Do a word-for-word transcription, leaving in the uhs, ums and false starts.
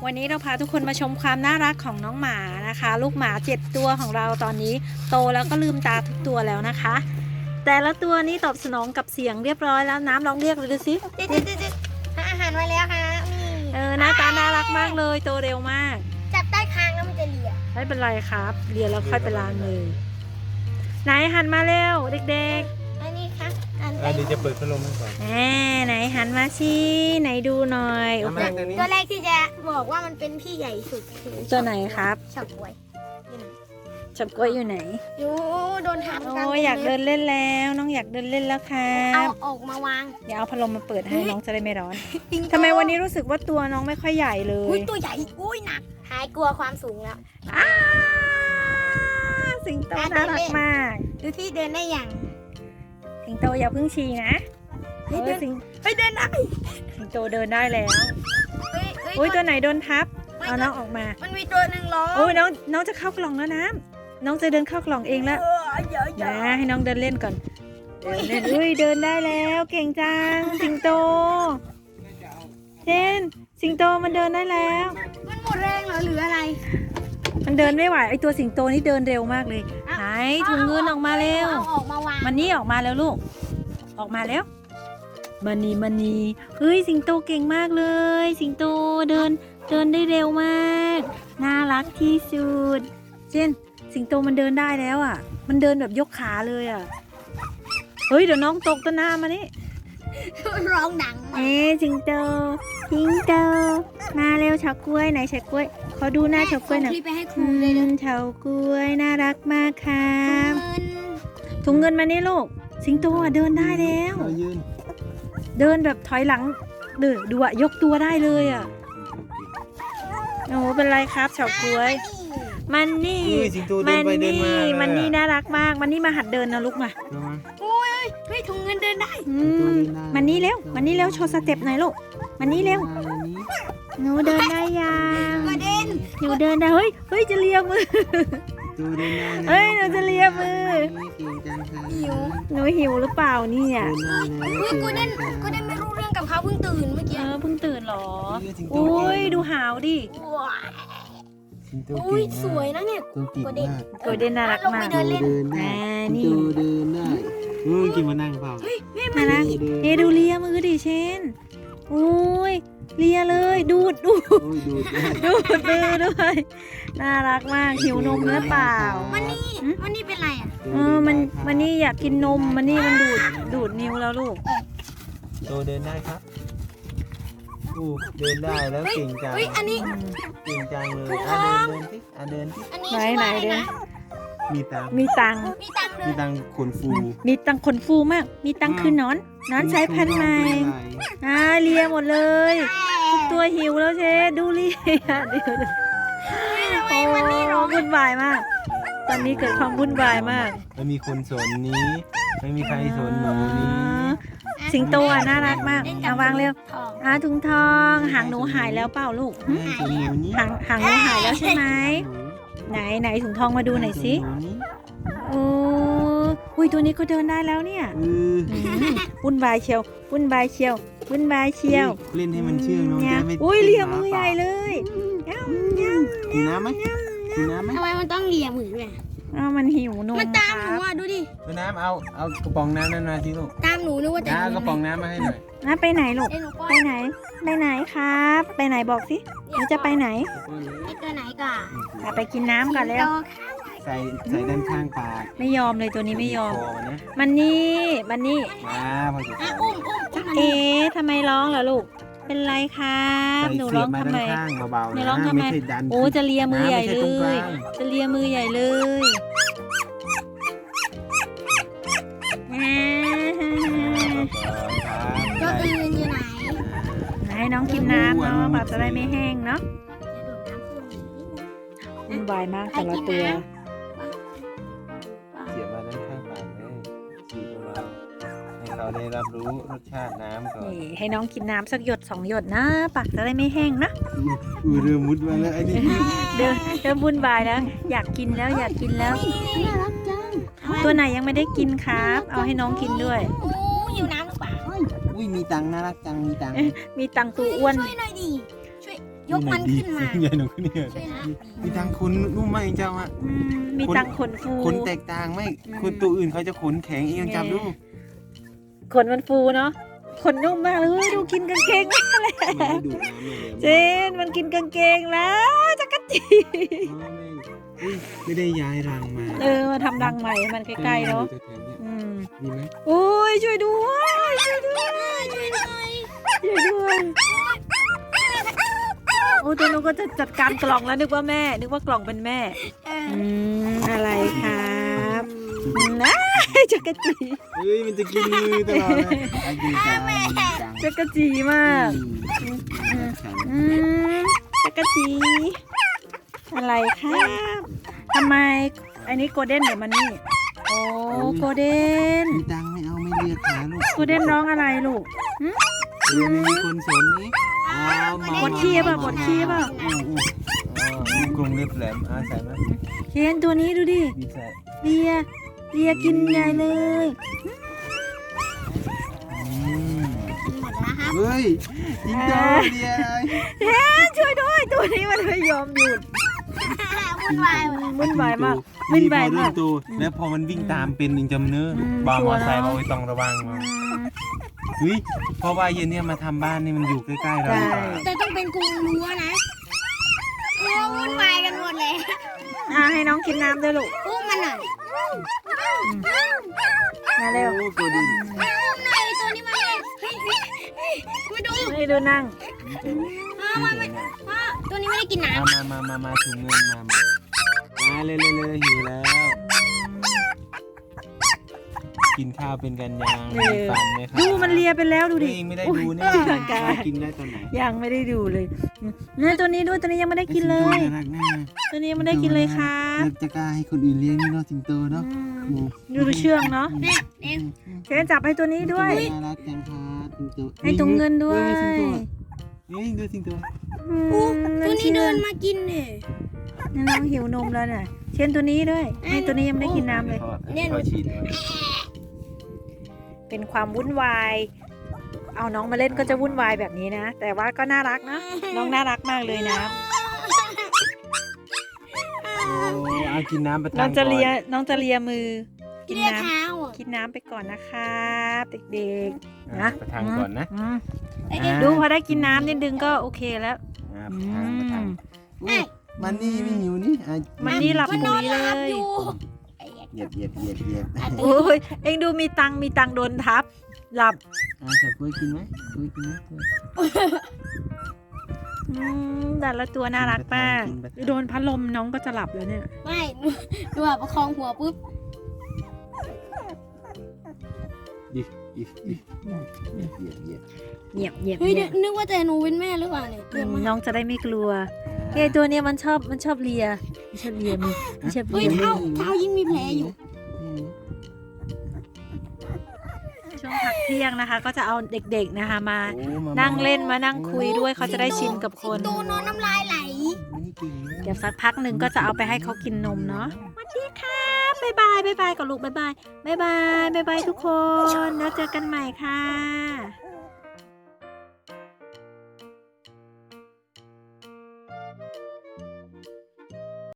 วันนี้เราพาทุกคนมาชมความน่ารักของน้องหมานะคะ ลูกหมาเจ็ดตัวของเราตอนนี้โตแล้วก็ลืมตาทุกตัวแล้วนะคะ แต่ละตัวนี้ตอบสนองกับเสียงเรียบร้อยแล้วน้ำลองเรียกเลยดูสิจิ๊ดจิ๊ดจิ๊ดจิ๊ดหาอาหารไว้แล้วค่ะนี่เออหน้าตาน่ารักมากเลยโตเร็วมากจับใต้คางแล้วมันจะเลียไม่เป็นไรครับเรียนแล้วค่อยไปล้างเลยไหนหันมาเร็วเด็กอันนี้ค่ะอันอ่ะเดี๋ยวจะเปิดพัดลมให้ก่อนๆแหมไหนหันมาสิไหนดูหน่อยโอ้โหมาตัวนี้ตัวแรกที่จะบอกว่ามันเป็นพี่ใหญ่สุดคือตัวไหนครับเฉาก๊วยนี่นะจับกล้วยอยู่ไหนอยู่โดนถามโอ้ยอยากเดินเล่นแล้วน้องอยากเดินเล่นแล้วครัเอาบออกมาวางเดี๋ยวเอาพัดลมมาเปิดให้น้องจะได้ไม่ร้อนทำไมวันนี้รู้สึกว่าตัวน้องไม่ค่อยใหญ่เลอุ้ยยตัวใหญ่อุ้ยหนักหายกลัวความสูงแล้วอ้าสิงโตน่ารักมากดูที่เดินได้อย่างสิงโตอย่าเพิ่งฉี่นะเฮ้ยเอเดิอน สิงเฮ้ยเดินได้สิงโตเดินได้แล้วเฮ้ยเฮ้ยอุ้ยตัวไหนโดนทับไม่เอาน้องออกมามันมีตัวหนึ่งล้อโอ้ยน้องน้องจะเข้ากล่องแล้วน้ำน้องจะเดินเข้ากล่องเองแล้วเออเยอะเยนะอะให้น้องเดินเล่นก่อนเดินเล่นอุ้ยเดินได้แล้วเก่งจังสิงโตเจนสิงโตมันเดินได้แล้วมันหมดแรงเหรอหรืออะไรมันเดินไม่ไหวไอตัวสิงโตนี่เดินเร็วมากเลยอ่ะไหนถุงเงินออกมาเร็วเอาออกมาวางมันนี่ออกมาแล้วลูก ออกมาแล้วมันนี่มันนี่เฮ้ยสิงโตเก่งมากเลย สิงโตเดินเดินได้เร็วมากน่ารักที่สุดเจนสิงโตมันเดินได้แล้วอ่ะ มันเดินแบบยกขาเลยอ่ะเฮ้ยเดี๋ยวน้องตกต้นหน้ามานี่ร้องดังมากเอ๊ะสิงโตสิงโตมาเร็วเฉากล้วยไหนเฉากล้วยขอดูหน้าเฉากล้วยหน่อยส่งคลิปไปให้คอืรูเลยนะมเฉากล้วยน่ารักมากครับเงินถุงเงินมานี่ลูก สิงโตอ่ะเดินได้แล้วเรายืนเดินแบบถอยหลังเดือดูอะยกตัวได้เลยอะโอ้โหเป็นไรครับเฉากล้วย มันนี่เฮ้ยสิงโตเดิมัน นไปเดินนี่มาเลยมันนี่น่ารักมาก มันนี่มาหัดเดินนะลูกมาเอามาโอ้ยเฮ้ยถุงเงินเดินได้อืสิงโตมเดินได้มันนี่เร็ว มันนี่เร็วโชว์สเต็ปหน่อยลูก มันนี่เร็วมาเลยนี้หนูเดินได้ยังกระเด็นหนูเดินได้ เฮ้ย เฮ้ยจะเลียมือสิงโตเดินได้เฮ้ยหนูจะเลียมือเก่งจังค่ะหิวหนูหิวหรือเปล่าเนี่ยเดินได้แล้วอุ้ยกูเด่นกูเด่นไม่รู้เรื่องกับเขาเพิ่งตื่นเมื่อเอกี้อเพิ่งตื่นเหรอเฮ้ยสิงโตอุ้ยเก่งดูหาวดิว้ายสิงโตอุ้ยเก่งมากสวยนะเนี่ยตัวเก่งมากโกลเด้นน่ารักมากเดินเล่นสิงโตเดินได้อ่านี่สิงโตเดินได้เฮ้ยกินมานั่งเปล่าน่ารักเอะดูเลียมือดิเชนโอ้ยเลียเลยดูดดูดโอ้ยดูดได้ดูดมือด้วยน่ารักมากหิวนมหรือเปล่ามันนี่มันนี่เป็นไรอ่ะเออมันมันนี่อยากกินนมมันนี่มันดูดดูดนิ้วแล้วลูกโตเดินได้ครับอู้เดินได้แล้วเก่งจังเฮ้ยอันนี้เก่งจังเลยอ่ะเดินเดินสิอ่ะเดินสิอันนี้ไหนชื่อไหนว่าอะไรเดินนะมีตังค์มีตังค์มีตังค์เลมียตังค์ขนฟูมีตังค์ขนฟูมาก มีตังค์คือนอนนอนใช้พันธุ์ใหม่อ่าเลียหมดเลยทุกตัวหิวแล้วเชนดูเลียเดี๋ยวทำไมมันนี่ร้องวุ่นวายมาก ตอนนี้เกิดความวุ่นวายมากไม่มีคนสนนี้ ไม่มีใครสนหนูนี้สิงโตอ่ะน่ารักมากเอาวางเร็วทองอ่าถุงทองหางหนูหายแล้วเปล่าลูกหึไม่สนหนูนี้หางหางหนูหายแล้วใช่ไหมไหนไหนถุงทองมาดูหน่อยสิหนูนี้โอ้อุ้ยตัวนี้ก็เดินได้แล้วเนี่ยเอออืมวุ่นวายเชียววุ่นวายเชียววุ่นวายเชียวเล่นให้มันเชื่องน้องเนี่ยจะไม่อุ้ยเลียมือใหญ่เลยเอ้าเอ้ากินน้ำไหมกินน้ำไหมทำไมมันต้องเลียมือด้วยอะเอ้ามันหิวนมมันตามหคนูรับอ่ะดูดิกินน้ำเอาเอากระป๋องน้ำนั่นมาสิลูกตามหนูนึกว่าจะน้ากระป๋องน้ำมาให้หน่อยนะไปไหนลูกเอ้ยหนูป้อไปนไหนไปไหนครับ ไปไหนบอกสิหนูจะไปไหนไอ้ตัวไหนก่อนอ่ะไปกินน้ำก่อนแล้วใส่ใส่ด้านข้างปากไม่ยอมเลยตัวนี้ไม่ยอมคอนะมันนี่มันนี่มาพอจะอ่ะใส่อุ้มอุ้มอุ้มมันเอ๊ะทำไมร้องล่ะลูก เป็นไรครับใส่หนูเสีร้ยอบ งมาทำด้าไมนข้างเบาๆไม่นะร้องทำไมไม่ใช่ดันโอ้จะเลียมือใหญ่เลไม่ใช่ตรงกยลางจะเลียมือใหญ่เลยแหมตัวอื่นอยู่ไหนให้น้องกินน้ำเนาะปากจะได้ไม่แห้งเนาะวุ่นวายมากแต่ละตัวเสียบมาด้านข้างปากเลยฉีดเบาๆให้เขาได้รับรู้รสชาติน้ำก่อนนี่ให้น้องกินน้ำสักหยดสองหยดนะปากจะได้ไม่แห้งนะอือเรือมุดมาแล้วไอ้นี่เดินเดินวุ่นวายแล้ว อยากกินแล้วอยากกินแล้วน่ารักจังตัวไหนยังไม่ได้กินครับ เอาให้น้องกินด้วยโอ้อยู่น้ำหรือเปล่าอุ้ยมีตังค์น่ารักจังมีตังค์มีตังตัวอ้วนช่วยหน่อยดิช่วยยกมันขึ้นมาใหญ่หนูขึ้นเนี่ยช่วยนะมีตังขนนุ่มมากเองเจ้าอะอืมมีตังขนฟูขนแตกต่างไหมอืมคนตัวอื่นเขาจะขนแข็งเองจับดูขนมันฟูเนาะขนนุ่มมากเลยเฮ้ยดูกินกางเกงมากเลยมันไม่ดูดน้ำเลยเจนมันกินกางเกงแล้วจักรจีอ๋อไม่อุ๊ยไม่ได้ย้ายรังมาเออมาทำรังใหม่ให้มันใกล้ๆเนาะแถวๆเนี่ยอืมดีไหมโอ้ยช่วยด้วยช่วยด้วยช่วยด้วยช่วยด้วยโอ้ตัวหนูก็จะจัดการกล่องแล้วนึกว่าแม่ นึกว่ากล่องเป็นแม่เอออืมอะไรครับนะจักรจีเฮ้ยมันจะกินมือตลอดเลยอายุจังจังจักรจีมากฉันอืมจักรจีอะไรครับทำไมอันนี้โกลเด้นเดี๋ยวมันนี่โอ้โกลเด้นมีตังไม่เอาไม่เรียกขาลูกโกลเด้นร้องอะไรลูกเรียนไม่มีคนสนนี่อ๋อมาปวดขี้ป่ะปวดขี้ป่ะอู้อู้อ๋อมีกรงเล็บแหลมอาใส่ไหมเคนตัวนี้ดูดิดีใส่เลียเลียกินใหญ่เลยอืมหมดแล้วครับเฮ้ยจิงโตเรียอะไรเคนช่วยด้วยตัวนี้มันไม่ยอมหยุดวุ่นวายว่ะวุ่นวายมากวิ่วุ่งนวายมากตัวแล้วพอมันวิ่งตามเป็นยิงจำเนื้ออมบาร์ชัมวอร์ไซค์เนอะเอาไว้ต้องระวังมาอืมเฮ้ยเพราะว่าเย็นเนี่ยมาทำบ้านนี่มันอยู่ใกล้ๆเราใช่แต่ต้องเป็นกรงรั้วนะโอ้วุ่นวายกันหมดเลยอ่ะให้น้องกินน้ำด้วยลูกอุ้มมันหน่อยมาเร็วโอ้ตัวดินอุ้มหน่อยตัวนี้มาเลยเฮ้ยเฮ้ยเฮ้ยมาดูให้ดูนั่งพ่อมันไม่พ่อตัวนี้ไม่ได้กินน้มามามามามาถุงเงินมามามาเลยเลยเลยหิวแล้ว กินข้าวเป็นกันยังเออมีฟันไหมครับดูมันเลียไปแล้วดูดิเองไม่ได้อุ๊ดูเนี่ยร่างกายกินได้ตอนไหนยังไม่ได้ดูเลยเนี่ยตัวนี้ด้วยตัวนี้ยังไม่ได้กินเลยสิงโตน่ารักแน่ตัวนี้ยังไม่ได้กินเลยครับแล้วจะกล้าให้คนอื่นเลี้ยงนี่เนาะสิงโตเนาะอืมดูดูเชื่องเนาะำเนี่ยเนี่ยเคนจับให้ตัวนี้ด้วยน่ารักจังครับสิงโตให้ถุงเงินด้วยเฮ้ยดูสิงโตอืมตัวนี้เดินมากินเนี่ยนี่น้องหิวนมแล้วน่ะเช่นตัวนี้ด้วยให้ตัวนี้ยังไม่ได้กินน้ำเลยเนี่ยหนูพอฉีดมาเป็นความวุ่นวาย เอาน้องมาเล่นก็จะวุ่นวายแบบนี้นะ แต่ว่าก็น่ารักนะ น้องน่ารักมากเลยนะโอ้เอากินน้ำประทังน้องจะเลียก่น้องจะเลียมือ กินเรียกน้เท้าอ่ะำกินน้ำไปก่อนนะครับเด็กอนๆนะประทังก่อนนะอืมเอ้ยอ่าดูพอได้กินน้ำนิดนึงก็โอเคแล้วอ่าอืประทังประทังมอุ๊ยมันนี่ไม่หิวนี่อ่ะมันนี่หลับมันนปุ๋อนยเลหลับยอยู่เหยียบเหยียบเหยียบเหยียบอ่ะโอ้ยเอ็งดูมีตังค์มีตังค์โดนทับ หลับอ่าจับกล้วยกินไหมกล้วยกินไหมกล้วยอืมแต่ละตัวน่ารักมากกินไปโดนพัดลมน้องก็จะหลับแล้วเนี่ยไม่หนูหนูแบบประคองหัวปุ๊บดิดิดิเหยียบเหยียบเหยียบเหยียบเหยียบเฮ้ยเหยียบนึกว่าแต่หนูเป็นแม่หรือเปล่าเนี่ยเดินมาน้องจะได้ไม่กลัวเฮ้ยตัวเนี้ยมันชอบมันชอบเลียมันชอบเลียมือมันชอบเฮ้ยเลียเท้าเท้ายิ่งมีแผลอยู่ช่วงพักเที่ยงนะคะ ก็จะเอาเด็กๆนะคะมาโอ้มานั่งเล่นมานั่งคุยด้วยเขาจะได้ชินกับคนสิงโตนอนน้ำลายไหลมันนี่เก่งนะเดี๋ยวสักพักหนึ่งก็จะเอาไปให้เขากินนมเนาะสวัสดีค่ะบ๊ายบายบ๊ายบายกับลูกบ๊ายบายบ๊ายบายบ๊ายบายทุกคนแล้วเจอกันใหม่ค่ะ